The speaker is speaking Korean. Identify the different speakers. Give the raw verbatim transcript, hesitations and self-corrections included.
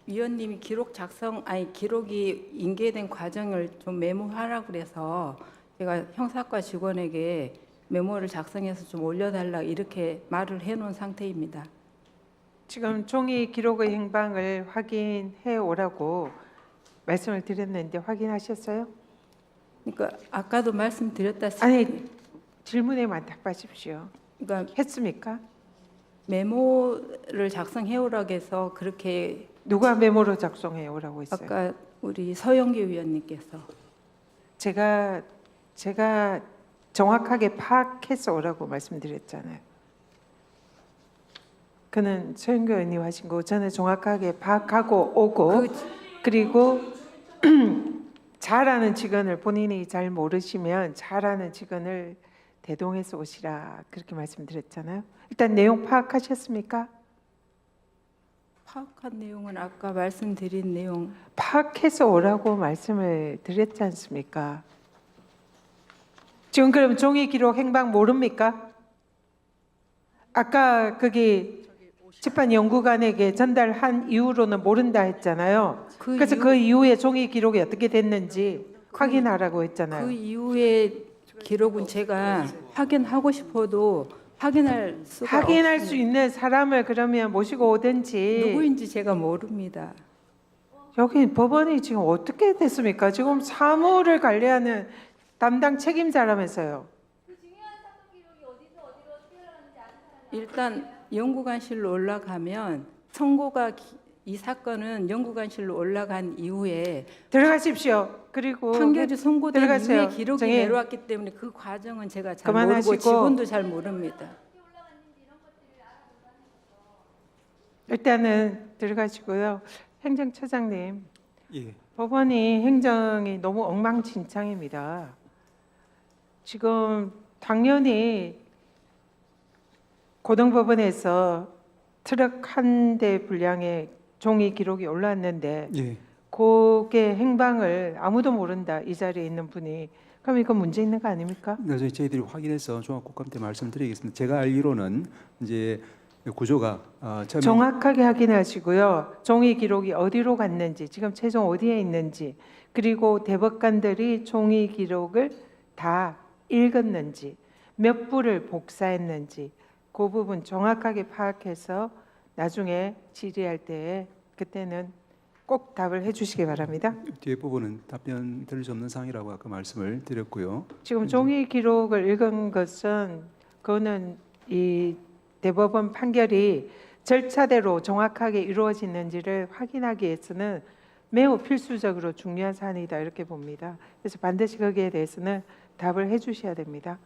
Speaker 1: 위원님이 기록 작성 아니 기록이 인계된 과정을 좀 메모하라 그래서 제가 형사과 직원에게 메모를 작성해서 좀 올려달라 이렇게 말을 해놓은 상태입니다.
Speaker 2: 지금 종이 기록의 행방을 확인해 오라고 말씀을 드렸는데 확인하셨어요?
Speaker 1: 그러니까 아까도 말씀드렸다시피
Speaker 2: 아니 질문에만 답하십시오.
Speaker 1: 그러니까
Speaker 2: 했습니까?
Speaker 1: 메모를 작성해 오라고 해서 그렇게
Speaker 2: 누가 메모로 작성해 오라고 했어요?
Speaker 1: 아까 우리 서영기 위원님께서
Speaker 2: 제가 제가 정확하게 파악해서 오라고 말씀드렸잖아요. 그는 서영교 의원님 하신 거 저는 정확하게 파악하고 오고
Speaker 1: 그
Speaker 2: 그리고 잘하는 직원을 본인이 잘 모르시면 잘하는 직원을 대동해서 오시라 그렇게 말씀드렸잖아요. 일단 내용 파악하셨습니까?
Speaker 1: 파악한 내용은 아까 말씀드린 내용
Speaker 2: 파악해서 오라고 말씀을 드렸지 않습니까? 지금 그럼 종이 기록 행방 모릅니까? 아까 거기 집안연구관에게 전달한 이후로는 모른다 했잖아요.
Speaker 1: 그
Speaker 2: 그래서
Speaker 1: 이후-
Speaker 2: 그 이후에 종이 기록이 어떻게 됐는지 확인하라고 했잖아요.
Speaker 1: 그 이후의 기록은 제가 확인하고 싶어도 확인할 수가
Speaker 2: 확인할 수
Speaker 1: 없습니다.
Speaker 2: 있는 사람을 그러면 모시고 오든지.
Speaker 1: 누구인지 제가 모릅니다.
Speaker 2: 여기 법원이 지금 어떻게 됐습니까? 지금 사무를 관리하는 담당 책임자라면서요.
Speaker 1: 일단 연구관실로 올라가면 선고가 기- 이 사건은 연구관실로 올라간 이후에
Speaker 2: 들어가십시오. 그리고
Speaker 1: 판결이 선고된
Speaker 2: 들어가세요.
Speaker 1: 이후에 기록이
Speaker 2: 정의.
Speaker 1: 내려왔기 때문에 그 과정은 제가 잘
Speaker 2: 그만하시고.
Speaker 1: 모르고 직원도 잘 모릅니다.
Speaker 2: 일단은 들어가시고요. 행정처장님,
Speaker 3: 예,
Speaker 2: 법원이 행정이 너무 엉망진창입니다. 지금 당연히 고등법원에서 트럭 한 대 분량의 종이 기록이 올라왔는데
Speaker 3: 예.
Speaker 2: 그게 행방을 아무도 모른다 이 자리에 있는 분이 그럼 이거 문제 있는 거 아닙니까?
Speaker 3: 그래서 저희들이 확인해서 종합국감 때 말씀드리겠습니다. 제가 알기로는 이제 구조가 어, 처음에
Speaker 2: 정확하게 확인하시고요. 종이 기록이 어디로 갔는지, 지금 최종 어디에 있는지, 그리고 대법관들이 종이 기록을 다 읽었는지, 몇 부를 복사했는지, 그 부분 정확하게 파악해서 나중에 질의할 때 그때는 꼭 답을 해주시기 바랍니다.
Speaker 3: 뒤에 부분은 답변 드릴 수 없는 사항이라고 아까 말씀을 드렸고요.
Speaker 2: 지금 종이 기록을 읽은 것은 그거는 이 대법원 판결이 절차대로 정확하게 이루어지는지를 확인하기 위해서는 매우 필수적으로 중요한 사안이다 이렇게 봅니다. 그래서 반드시 거기에 대해서는 답을 해주셔야 됩니다.